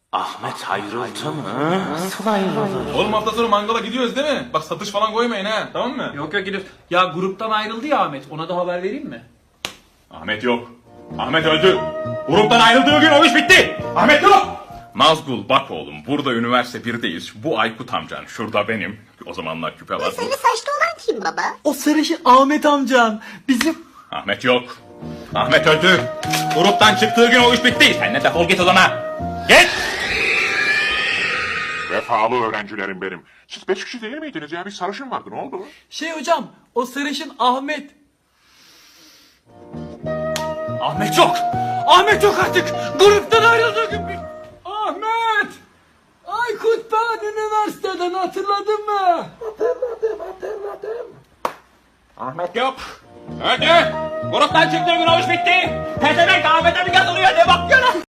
Ahmet ayrıldı mı? Nasıl ayrıldı? Oğlum hafta sonu mangala gidiyoruz değil mi? Bak satış falan koymayın ha, tamam mı? Yok gidiyor. Ya gruptan ayrıldı ya Ahmet. Ona da haber vereyim mi? Ahmet yok. Ahmet öldü. Gruptan ayrıldığı gün o iş bitti. Ahmet yok. Nazgul bak oğlum, burada üniversite 1'deyiz. Bu Aykut amcan, şurada benim. O zamanlar küpe var. Sarı saçlı olan kim baba? O sarışın Ahmet amcan. Bizim... Ahmet yok. Ahmet öldü. Gruptan çıktığı gün o iş bitti. Sen de defol git odana. Git. Vefalı öğrencilerim benim. Siz 5 kişi değil miydiniz ya? Bir sarışın vardı. Ne oldu? Hocam o sarışın Ahmet. Ahmet yok. Ahmet yok artık. Gruptan ayrıldığı gün bir... Ahmet! Aykut ben üniversiteden hatırladın mı? Ahmet yok. Öldü. Gruptan çıktığı gün o iş bitti. Pezevenk Ahmet'e bir yazılıyor. Ne bakıyorsun?